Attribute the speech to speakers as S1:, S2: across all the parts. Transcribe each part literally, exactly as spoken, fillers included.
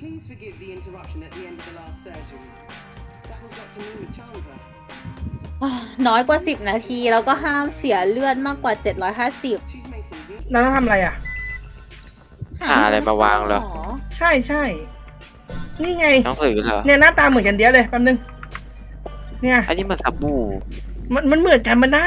S1: Please forgive the interruption at the end of the last surgery. That was Doctor Nima Chandra.
S2: น้อยกว่าสิบนาทีแล้วก็ห้ามเสียเลือดมากกว่าเจ็ดร้อยห้าสิบ
S1: She's making good.
S3: เราต้องทำอะไรอ่ะ
S4: หาอะไรมาวางเหรอ
S3: ใช่ใช่นี่ไง
S4: หนังสือเหรอ
S3: เนี่ยหน้าตาเหมือนกันเดียวเลยแป๊บนึงเนี่ย
S4: อันนี้มันสบู่
S3: มันมันเหมือนกันมันได้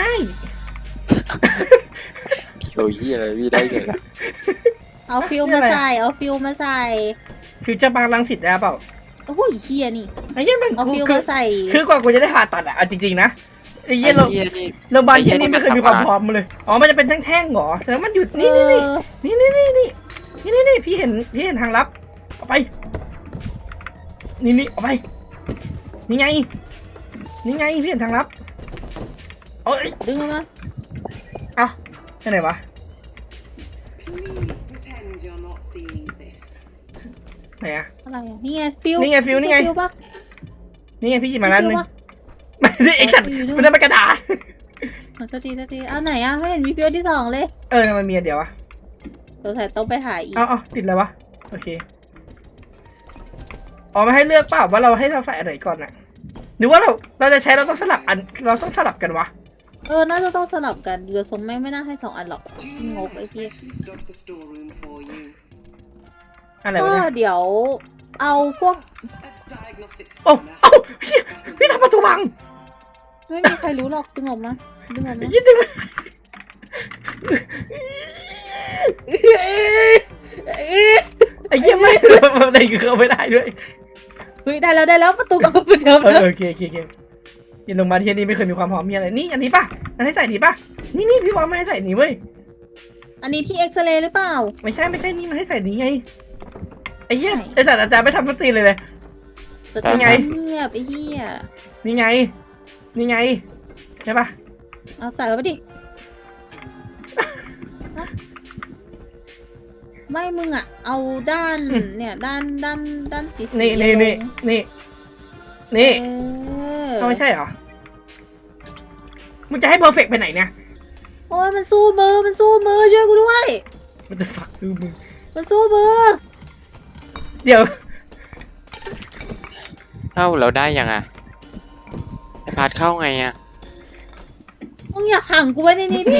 S4: เกี่ยวยี่อะไรพี่ได้ไงล่ะ
S2: เอาฟิลมาใส่เอาฟิลมาใส่
S3: ฟิวเจอร์บางรังสิตได้เปล่า
S2: โอ้ยเฮียนี่
S3: ไอ้เหี้ยมัน
S2: เอา
S3: กู
S2: ฟิล
S3: คือ
S2: มาใส่
S3: คือกว่ากูจะได้ผ่าตัดอะเอาจริงๆนะไอ้เหี้ย
S4: ไอ้
S3: เรา
S4: เหี้ยนี่
S3: โรงพยาบาล
S4: ไอ้เหี้
S3: ที่
S4: ย
S3: นี่ไม่เคย
S4: นี่
S3: มีความ
S4: มัน
S3: พร้อมมาเลยอ๋อมันจะเป็นแท่งๆเหรอแต่ว่ามันหยุดนี่นี่นี่นี่นี่นี่นี่นี่นี่พี่เห็นพี่เห็นทางลับเอาไปนี่นี่เอาไปนี่ไงนี่ไงพี่เห็นทางลับเอ้ย
S2: ดึงออกมา
S3: เอ้าไปไหนวะ
S1: Please pretend you're not seeing this.
S3: ไหนอะ
S2: อะไรอ่ะนี่ไงฟิล
S3: นี่ไงฟิลนี่ไง
S2: ฟิลปะ
S3: นี่ไงพี่หยิบมาแล้วนึง
S2: ฟิลปะ
S3: ไม่ได้ไอ้สัตว์มันได้เป็นกระดาษ
S2: ขอโทษทีโทษทีเอาไหนอ่ะไม่เห็นมีฟิลที่สองเลย
S3: เออทำไมมีอันเดียววะ
S2: สงสัยต้องไปหาอีก
S3: เอาเอาติดเลยวะโอเคอ๋อมาให้เลือกเปล่าว่าเราให้เราใส่อะไรก่อนอะหรือว่าเราเราจะใช้เราต้องสลับอันเราต้องสลับกันวะ
S2: เออน่าจะต้องสลับกันเรือทรงไม่ไม่น่าให้สองอันหรอก
S1: Julia
S2: Ngộ vậy
S1: has
S2: kia.
S1: specially stocked the storeroom for you.
S3: อะไร
S2: ก็
S3: วะเนี่ย
S2: เดี๋ยวเอาพวก
S1: A diagnostic
S3: โอ้
S1: scanner.
S3: เอ้าพี่พี่ทำประตูพัง
S2: ไม่มีใครรู้หรอกดึงออกมาดึงออกมา
S3: ยิ่งดึงมันไอ้เหี้ยไม่อะไรก็เข้าไม่ได้ด้วย
S2: เฮ้ยได้แล้วได้แล้วประตูกลับมาเหมือนเดิม
S3: เออ
S2: แล้ว
S3: โอเคโอเคโอเคยินลงมาที่นี่ไม่เคยมีความพร้อมมีอะไรนี่อันนี้ป่ะอันให้ใส่นี่ป่ะนี่นี่พี่วางไม่ให้ใส่นี่เว้ย
S2: อันนี้ที่เอ็กซเรย์หรือเปล่า
S3: ไม่ใช่ไม่ใช่นี่มันให้ใส่นี่ไงไอ้เหี้ย
S2: ไหน
S3: ไอ้สัตว์อาจารย์ไม่ทำพัตตีเลยเลย
S2: แต่
S3: ยังไง
S2: เงียบไอ้เหี้ย
S3: นี่ไง นี่ไงใช่ป่ะ
S2: เอาใส่เข้าไปดิฮะไม่มึงอ่ะ เอาด้านเนี่ยด้านด้านด้านสีสี
S3: นี่นี่
S2: ลง
S3: นี่นี่นี่
S2: เออ
S3: เอาไม่ใช่เหรอมึงจะให้เพอร์เฟกไปไหนเนี่ย
S2: โอ้ยมันสู้มือมันสู้มือช่วยกูด้วย
S3: มันจะฝักซื้อมึง
S2: มันสู้มือ
S3: เดี๋ยว
S4: เข้าเราได้ยังอ่ะไอพาร์ทเข้าไงอ่ะ
S2: มึงอย่าขังกูไว้ในนี้ดิ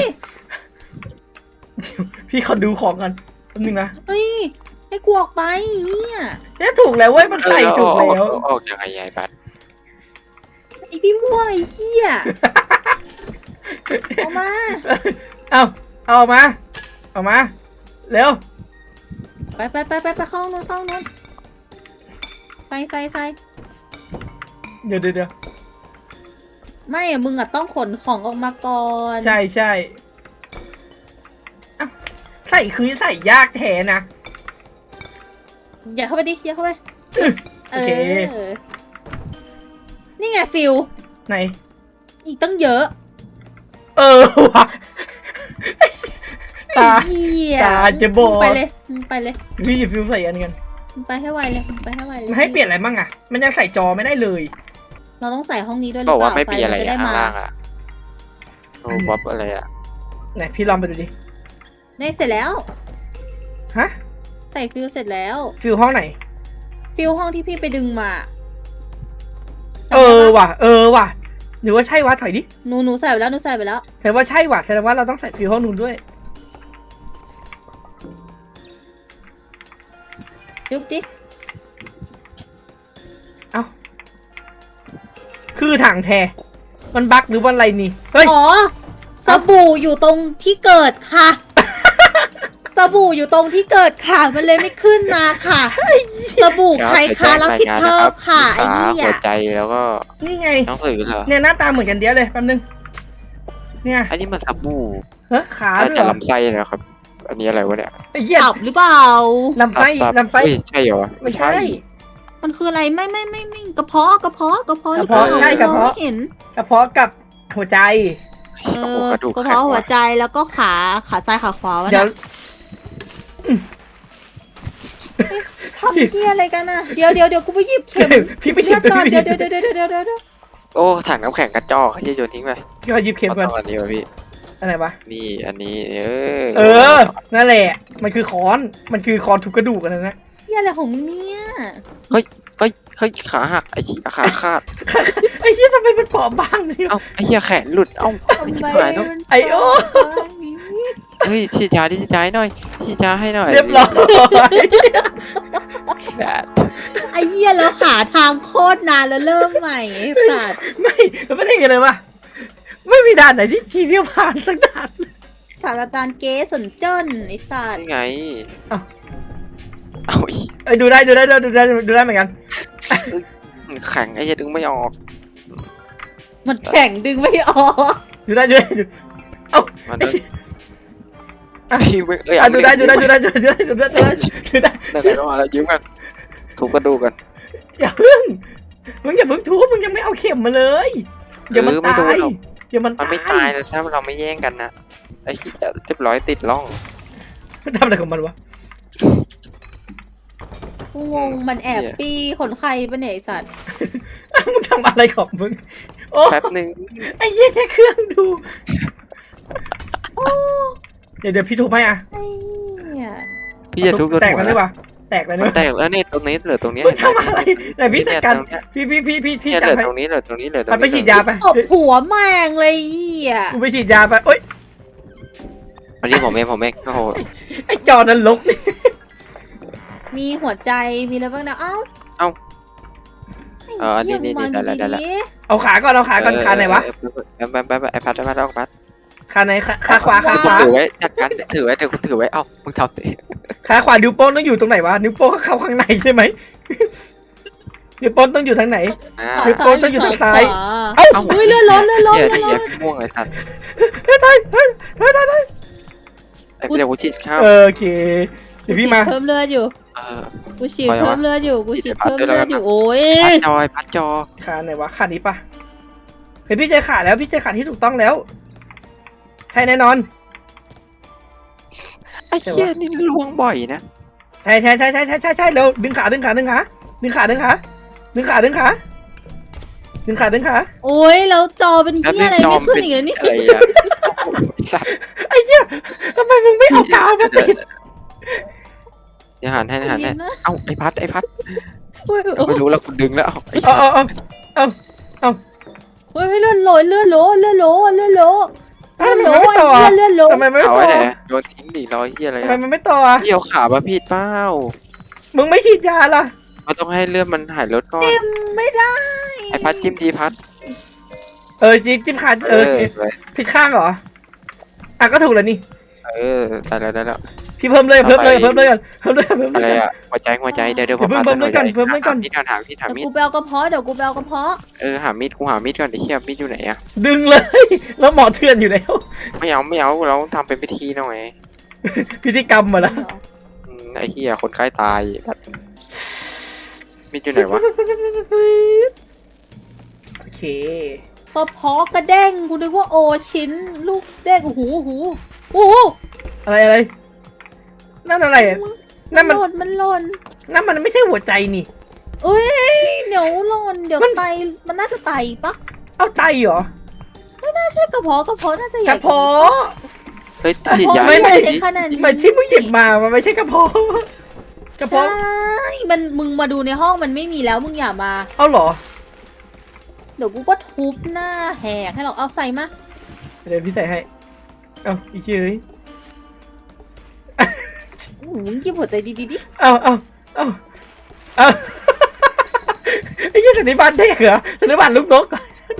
S3: พี่ขอดูของกันแป๊บนึงนะ
S2: เฮ้ยให้กูออกไปเนี่ย
S3: เนี่ยถูกแล้วเว้ยมันใส่ถูก
S4: เออ
S3: แล้ว
S4: เอาเอาเอาออกยังไงยายพาร์ท
S2: ไอพี่ม่วงไอ้เหี้ยเอามา
S3: เอาเอาออกมาเอามาเร็ว
S2: ไปไปไปไปไปเข้าห้องนู้นเข้าห้องนู้นใส่ใส่ใส่
S3: เดี๋ยวเดี๋ยวเดี๋ยว
S2: ไม่อะมึงอะต้องขนของออกมาก่อน
S3: ใช่ใช่เอ้าใส่คือใส่ยากแท้นะ
S2: อย่าเข้าไปดิอย่าเข้าไป
S3: โอเค
S2: นี่ไงฟิล
S3: ไหน
S2: อีกตั้งเยอะ
S3: เออว่ะตา
S2: ไอ้เหี้ย
S3: ตาจะบอด
S2: มึงไปเลยมึงไปเลย
S3: พี่หยิบฟิวใส่อันกัน
S2: มึงไปให้ไวเลยมึงไปให้ไวเลย
S3: มันให้เปลี่ยนอะไรบ้างอะมันยังใส่จอไม่ได้เลย
S2: เราต้องใส่ห้องนี้ด้วยหรื
S4: บ
S2: อ
S4: อก
S2: เป
S4: ว่า
S2: ล่า
S4: ไม่มีอะไร
S2: ฟนจ
S4: อ่ะ
S2: ด้
S4: ข้าง
S2: มา
S4: ล่างอ่ะโอ้บ๊อบอะไรอ่ะ
S3: ไหนพี่ลองไปดูดิ
S2: ได้เสร็จแล้ว
S3: ฮะ
S2: ใส่ฟิลเสร็จแล้ว
S3: ฟิวห้องไหน
S2: ฟิลห้องที่พี่ไปดึงมา
S3: เออว่ะ เออว่ะ หรือว่าใช่วะถอยดิ
S2: หนูหนูใส่ไปแล้วหนูใส่ไปแล้ว
S3: แสดงว่าใช่ว่ะแสดงว่าเราต้องใส่ฟิวห้องนู้นด้วย
S2: ยุบดิ
S3: เอ้า คือถังแทมันบั๊กหรือว่าอะไรนี่ เฮ้ย
S2: อ๋อ สบู่อยู่ตรงที่เกิดค่ะ สบู่อยู่ตรงที่เกิดค่ะ มันเลยไม่ขึ้นมาค่ะ สบู่ใครคะรับผิดชอบค่ะไอ้
S4: ขา
S2: เหี้ย
S4: หัวใจแล้วก็
S3: นี่ไง
S4: หนังสือเหรอ
S3: เนี่ยหน้าตาเหมือนกันเดียวเลยแป๊บนึง เนี่ย
S4: อันนี้มันสบู่
S3: เฮ้ยขา
S4: น่า
S3: ด้วย
S4: จะ
S3: เหรอ
S4: ลำไส้นะครับ อันนี้อะไรวะเนี่ย
S3: ไอ้เหี้ย
S2: ตับหรือเปล่า
S3: ลำไส้
S4: ตับ
S3: ลำไส้
S4: เอ้ยใช่เหรอวะ
S3: ไม่ใช่
S2: มันคืออะไรไม่ไม่ไม่ไม่กระเพาะกระเพาะกระเพาะหรือเป
S3: กระ
S2: ล่า
S3: เพาะใช่กระเพาะ
S2: มองไม่เห็น
S3: กระเพาะกับหัวใจ
S2: เอ
S4: โอ้โห
S2: อก
S4: ระดูก
S2: กระ
S4: แข็ง
S2: เพาะหัว
S4: ว่ะ
S2: ใจแล้วก็ขาขาซ้ายขาขวาวะ
S3: เดี๋ยว
S2: น่ะทำเหี้ยอะไรกันน่ะเดี๋ยวเดี๋ยวเดี๋ยวกูไปหยิบเข็ม
S3: พี่ไปหยิบ
S2: เลือดก่อน
S3: พี่
S2: เดี๋ยว
S3: ไปหยิ
S2: เดี๋ยว
S3: บ
S2: เดี๋ยวเดี๋ยวเดี๋ยวเดี๋ยว
S4: โอ้ถังน้ำแข็งกระจอกที่โยนทิ้งไป
S3: พี่ขอหยิบเข็มก่อน
S4: เอาตอนนี้วะพี่
S3: อะไรวะ
S4: นี่อันนี้เออ
S3: เออ นั่นแหละ มันคือค้อน มันคือค้อนทุบกระดูกอันนั้นนะ
S2: เหี้ยอะไรของมึงเนี่ย
S4: เฮ้ยเฮ้ยขาหักไอ้เหี้ยขาขาด
S3: ไอ้เหี้ยทำไมมันเปราะบางเนี่ย
S4: เอ้าไอ้เหี้ยแขนหลุดเอ้า
S2: ทำ
S4: ไอ้ชิบ
S2: ไม
S4: หายแล้ว
S2: มัน
S3: ไอ้โอ้
S2: บ้างนี้
S4: เฮ้ยฉีดยาดิฉีดยาให้หน่อยฉีดยาให้หน่อย
S3: เรียบร้อย
S4: แดด
S2: ไอ้เหี้ยเราหาทางโคตรนานแล้วเริ่มใหม่ไอ้สัตว์
S3: ไม่ไม่ได้กันเลยวะไม่มีด่านไหนที่ทีเดียวผ่านสักด่าน
S2: ศาสตราจารย์เก๋สนเจิ้นไอ้สัตว์
S4: นี่ไง
S3: เอ้า
S4: เอาอี
S3: ไอ้ยดูได้ดูได้ดูได้ดูได้เหมือนกัน
S4: มันแข็งไอ้เหี้ยดึงไม่ออก
S2: มันแข็งดึงไม่ออก
S3: ดูได้ดูได้ดูเอ้า
S4: มันดึงไอ้เว้ยเอ้ย
S3: อ่ะ
S4: เอา
S3: ดูได้ดูได้ดูได้ดูได้ดูได้ดูได้ดูได้
S4: ได้ได้ก็มาแล้วยิ้มกันถูกกระดูกกัน
S3: อย่าเพิ่งมึงอย่าเพิ่งทุบมึงยังไม่เอาเข็มมาเลยอย่ามัน
S4: เออไม่
S3: ตา
S4: โดน
S3: ย
S4: หรอก
S3: อย่ามัน
S4: มันไม่ตายเลยถ้าเราไม่แย่งกันนะไอ้เหี้ยเรียบร้อยติดร่อง
S3: มันทำอะไรของมันวะ
S2: กูงงมันแอบปี้คนไข้ปะเนี่ยไอ้สัตว์
S3: มึงทำอะไรของมึงโอ้
S4: แป๊บหนึ่ง
S3: ไอ้เหี้ยแค่เครื่องดูเดี๋ยวเดี๋ยวพี่ทุบให้อ่ะ
S2: ไอ้เนี่ย
S4: พี่จะทุบรถ
S3: แตก
S4: หัว
S3: แล้วหรือเป
S4: นะ
S3: ล่าแตกแล้ว
S4: มัน
S3: เนี่ย
S4: แตกแล้วนี่ตรงนี้เหลือตรงนี้
S3: มึงทำอะไรไหนพี่จัดการ
S4: เนี่ย
S3: พี่พี่พี่พี่พี่
S4: เนี่ย
S3: จั
S4: เห
S3: ด
S4: ลือ
S3: ให้
S4: ตรงนี้เหลือตรงนี้เหลือตรง
S3: มัน
S4: นี้
S3: ไปฉีดยาไป
S2: ตบหัวแม่งเลยไอ้เหี้ย
S3: กูไปฉีดยาไปโอ๊ย
S4: วันนี้ผมเองผมเองโอ้โห
S3: ไอ้จอนั้นลกนี่
S2: มีหัวใจมีอะไรบ้างนะเอ้า
S4: เอ้า
S2: ไอ้
S4: เออนี่
S2: เหี้ย
S4: นี่
S2: มึง
S4: ได้
S2: วาง
S4: แล้วได้แล้ว
S2: ดี
S3: เอาขาก่อนเอาขาก่อนขาไหนวะ
S4: แป๊บแป๊บแป๊บไอพัดไอพัดเอาพัด
S3: ขาไหนขาขาขวาขาขวา
S4: ถือไว้จัดการถือไว้เดี๋ยวกูถือไว้เอ้ามึงทำสิ
S3: ขาขวานิ้วโป้งต้องอยู่ตรงไหนวะนิ้วโป้งเข้าข้างในใช่ไหมนิ้วโป้งต้องอยู่ทางไหน
S4: อ่า
S3: นิ้วโป้งต้องอยู่ทางซ้าย
S2: เอ้า
S3: เอ้า
S2: เฮ้ยเลื่อนรถเลื่อนรถ
S4: เหี้ย
S2: เลื่อนร
S4: เหี้ย
S2: ถ
S4: ม่วงไอ้สัตว์
S3: เฮ้ยเฮ้ยเฮ้ยเฮ้ยเฮ้ย
S4: ไอ้เดี๋ยวกูฉีดข้าว
S3: เออโอเคเดี๋ยวพี่มา
S2: กูฉีดเพิ่มเลือดอยู่
S4: เออ
S2: กูฉีด
S4: ไปวะ
S2: เพิ่มเลือดอยู่กูฉีด
S4: ฉีด
S2: เพิ่ม
S4: ไป
S2: เลือด
S4: ด้วยแล้วกัน
S2: อยู่โอ้ย
S4: พัดจอยพัดจอ
S3: ขาไหนวะขานี้ปะเฮ้ยพี่เจอขาแล้วพี่เจอขาที่ถูกต้องแล้ว ใช่แน่นอน
S4: ไอ้เหี้ยนี่ล่วงบ่อยนะ
S3: ใช่ใช่ใช่ใช่ใช่ใช่ใช่เร็วดึงขาดึงขาดึงขาดึงขาดึงขาดึงขาดึงขาดึงขาดึงขา
S2: โอ้ยแล้วจอเป็น
S4: แล้ว
S2: เหี้ย
S4: นี่
S2: อะไร
S4: จอ
S2: ไม่
S4: ม
S2: ขึ้น
S4: เป็น
S2: อีกแล้วนี่
S4: อะไรอะไอ้สัตว์
S3: ไอ้เหี้ยทำไมมึงไม่เอากาวมาติด
S4: เดี๋ยวหันให้หันให้
S2: นะ
S4: เอ้าไอ้พัดไอ้พัด
S2: โอ้ย
S4: ไม่รู้แล้วกูดึงแล้วเอ้าไอ้
S3: เอา
S4: สัตว์
S3: เอาเอา
S2: โอ้ยเลื่อนโหลเลื่อนโหลเลื่อนโหลเลื่อนโหล
S3: ทำ
S2: เลื่อน
S3: ไม
S2: โหล
S3: มันไม่
S2: ไอ้
S3: ต่อ
S2: เหี้ยเลื่อนโหล
S3: ทำไมมันไม่
S4: เอา
S3: ต่
S4: ไว้
S3: อ
S4: ไหนโยนทิ้งดิรอยเหี้ยอะไร
S3: ทำไม
S4: อะ
S3: มันไม่ต่อ
S4: พี่เอาขามาผิดเปล่า
S3: มึงไม่ฉีดยาล่ะ
S4: เราต้องให้เลือดมันหายรถก่อน
S2: จิ้มไม่ได้
S4: ไอ้พัดจิ้มดีพัด
S3: เออจิ้มจิ้มขาเออ
S4: ไว้
S3: ผิดข้างเหรออ่ะก็ถูกแล้วนี่
S4: เออได้แล้วได้แล้ว
S3: พี่เพิ่มเลยเพิ่มเลย
S4: เอาไป
S3: เพิ่มเลยก่อนเพิ่มเลยเพิ่ม
S4: อะไร
S3: เลย
S4: อะหัวใจหัวใจเดี๋ยวเดี๋ยวผม
S3: เดี๋ยว
S4: พา
S3: เพิ่ม
S4: หัวใจ
S3: เพิ่มไว้ก่อนเพิ่มไว้ก่อน
S4: หามีดก่อนหามีดหา
S2: เดี๋ยว
S4: มีด
S2: กูไปเอากระเพาะเดี๋ยวกูไปเอากระเพาะ
S4: เออหามีดกูหามีดก่อนไอ้เหี้ยมีดอยู่ไหนอะ
S3: ดึงเลย แล้วหมอเถื่อนอยู่แล้ว
S4: ไม่เอาไม่เอาเราต้องทำเป็นพิธีหน่อย
S3: พิธีกรรมมาแล้ว
S4: อืมไอ้เหี้ยคนใกล้ตายมีดอยู่ไหนวะ
S3: โอเค
S2: กระเพาะกระเด้งกูนึกว่าโอชิ้นลูกเด้งโอ้โหโอ้โหโอ้โห
S3: อะไรอะไรนั่นอะไรอ่ะ นั่
S2: มัน
S3: น
S2: ห
S3: มัน
S2: ล่นมันหล่น
S3: นั่นมันไม่ใช่หัวใจนี่
S2: เอ้ยเดี๋ยวหล่นเดี๋ยว
S3: มัน
S2: ไตมันน่าจะไตปะ
S3: เอาไตเหรอ
S2: ไม่ใช่กระเพาะกระเพาะน่าจะให
S3: ก
S2: ญ่
S3: ระเพาะ
S4: เฮ้ย
S2: กระ
S4: ฉีด
S2: เพาะ
S4: ยา
S3: ไม่
S2: ไม่
S3: ไม่
S2: ใหญ่ขนาดนี้
S3: มันที่มึงหยิบมามันไม่ใช่กระเพาะกระ
S2: ใช่
S3: เพาะ
S2: มันมึงมาดูในห้องมันไม่มีแล้วมึงอย่ามา
S3: เอาเหรอ
S2: เดี๋ยวกูก็ทุบหน้าแหกให้เราเอาใส่มา
S3: เดี๋ยวพี่ใส่ให้เอาอีกทีเลย
S2: อู้หูมึงกินหัวใจดีๆดิ
S3: เอาเอาเอาเอาไอ้ยี่สันนิบาตเด็กเหรอสันนิบาตลูกนก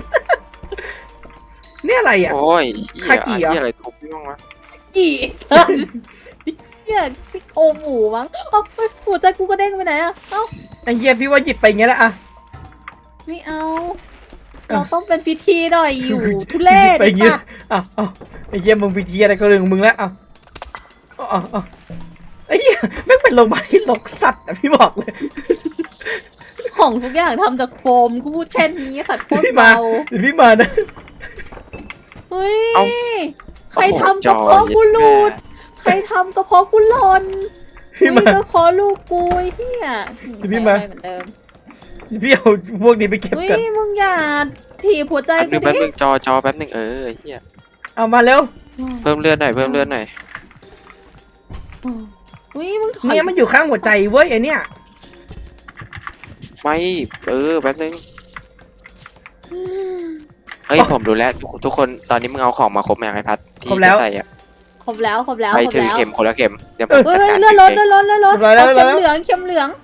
S3: เนี่ยอะไรอ่ะ
S4: โอ้ยเหี้ย
S3: คากิเหรอ
S4: เหี้ยอะไรทุบพี่บ้างวะ
S2: กี่เนี่ยซิโอหมูมั้งเอ้าเฮ้ยหัวใจกูกระเด้งไปไหนอะเอ้า
S3: ไอ้เหี้ยพี่ว่าหยิบไปอย่างเงี้ยแหละอ่ะ
S2: ไม่เอา เราต้องเป็นพิธีหน่อยอยู่ ทุเรศ
S3: ไปอย่างเงี้ย
S2: ปะ
S3: อ้าวอ้าวไอ้เหี้ยมึงพิธีอะไรก็เรื่องของมึงแล้วอ้าวอ้าวอ้าวไอ้เหี้ยแม่งเป็นโรงพยาบาลที่ลกสัตว์อะพี่บอกเลย
S2: ของทุกอย่างทำจากโฟมกูพูดแค่นี้ค่ะโคตร
S3: พี่มา
S2: เบา
S3: เดี๋ยวพี่มานะ
S2: เฮ้ย
S4: เอ้า
S2: ใครทำกระเพาะกูหลุด ใครทำกระเพาะกูหล่น
S3: พี่
S2: เฮ้ย
S3: มาก
S2: ระเพาะลูกกูไอ้เฮีย
S3: พี่มา
S2: ใส่ไปเหมือนเดิม
S3: พี่เอาพวกนี้ไปเก็บ
S2: เฮ้ย
S3: กัน
S2: มึงอย่าถีบหัวใจ
S4: แป๊บห
S2: กู
S4: นึงแป๊บห
S2: ดิ
S4: นึงจอจอแป๊บหนึงเออไอ้เหี้ย
S3: เอามาเร็ว
S4: เพิ่มเลือดหน่อยเพิ่มเลือดหน่อย
S2: เฮ้ยมึงถอย
S3: เนี่ยมันอยู่ข้างหัวใจเว้ยไอเนี่ย
S4: ไม่เออแป๊บนึงเฮ้ยผมรู้แล้วทุกทุกคนตอนนี้มึงเอาของมาครบไหมไอ้พัดที่จะใส่อะ
S2: ครบแล้วครบแล้ว
S4: ไป
S2: ครบ
S4: ถือ
S2: แล้ว
S4: เข็มคนละเข็มเดี๋ยวผม
S2: เฮ้
S4: จั
S2: ย
S4: ด
S2: เฮ้ย
S4: การ
S2: เลื่อนรถ
S4: เอ
S2: เลื่อง นรถเลื่อนรถ
S3: เรียบร้อยแล้ว
S2: เอา
S3: เรียบร้
S2: เข็
S3: อย
S2: ม
S3: แล้ว
S2: เหลืองเข็มเหลือง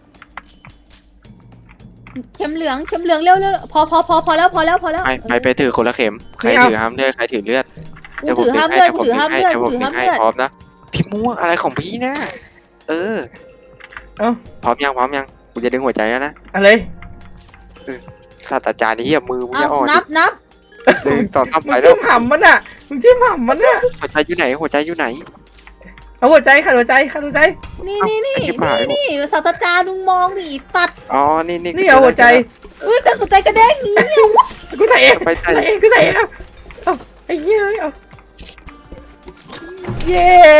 S2: เข็มเหลืองเข็มเหลืองเร็วเร็วพอพอพอพอแล้วพอแล้วพอแล้ว
S4: ไปไปไปถือคนละเข็มใคร
S3: ไม่เอา
S4: ถือห้ามเลือดใครถือเลือด
S2: กู
S4: เดี๋ยวผม
S2: ถือ
S4: ดึ
S2: ห้าง ม
S4: ให้
S2: เลือด
S4: เดี๋ยว
S2: กู
S4: ผม
S2: ถือ
S4: ดึ
S2: ห้าง ม
S4: ให้
S2: เลือด
S4: เดี๋ยวผม
S2: กูถือ
S4: ดึ
S2: ห้าง ม
S4: ให้
S2: เลือด
S4: พร้อมนะพี่ม่วงอะไรของพี่นะเออ
S3: เอ้า
S4: พร้อมยังพร้อมยังกูจะดึงหัวใจแล้วนะ
S3: อะไร
S4: ศาสตราจารย์นี่เหี้ยมือมึง
S2: เอา
S4: จะอ่อน
S2: นับนับ
S4: หนึ่งสองสาม
S3: มึ
S4: ไป
S3: ง
S4: แล้
S3: จิ้
S4: ว
S3: มห่ำมันอ่ะมึงจิ้มห่ำมันอ่ะ
S4: หัวใจอยู่ไหนหัวใจอยู่ไหน
S3: เอาหัวใจค่ะหัวใจค่ะหัวใจ
S2: นี่นี่นี่
S4: เอาชิบหาย
S2: นี่นี่ศาสตราจารย์มึงมองดิตัด
S4: อ๋อนี่นี่
S3: นี่เอาหัวใจ
S2: อุ้ยกระหัวใจกระเด้งอย่างนี้
S3: กูใส่เอง
S4: ไปใส่
S3: ใส่เองกูใส่เองเอาเอาไอ้เหี้ยเอาเย้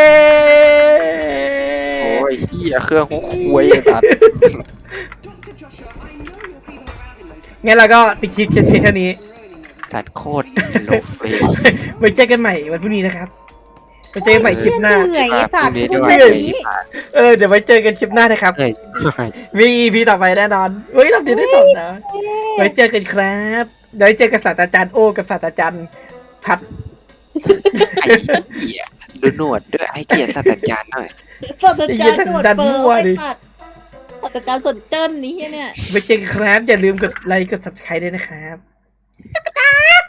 S4: โอ้ยเหี้ยเครื่องหัวคุยไอ้สัตว์
S1: Doctor Joshua, I know you're keeping around in those
S3: งั้นเราก็ปิดคลิปกันเพียงเท่านี้
S1: ruining everything.
S4: สัตว์โคตรโลกเลย
S3: ไว้เจอกันใหม่วันพรุ่งนี้นะครับไว้เจอกันใหม่คลิปหน้า
S2: เหนื่อยไอ้สัตว์
S4: พรุ่งนี้
S2: พูด
S4: ด้วย
S2: แค่นี้
S3: เออเดี๋ยวไว้เจอกันคลิปหน้านะครับ
S4: เหนื่อยชิบหาย
S3: มี อี พี ต่อไปแน่นอนเฮ้ยเราเดี๋ยวได้ตอบนะไว้เจอกันครับเดี๋ยวไว้เจอกับศาสตราจารย์โอกับศาสตราจารย์พัด
S4: ไอ้เหี้ยดูหนวดด้วยไอ้เกียรติศาสตราจารย์หน่อย
S2: ศาสตราจารย์หนวดเปิร์ไอ้สัตว์ศาสตราจารย์สนเจิ้นนี้เนี่ย
S3: ไว้เจอกันครับอย่าลืมกดไลค์กด ซับสไครบ์ ด้วยนะครับ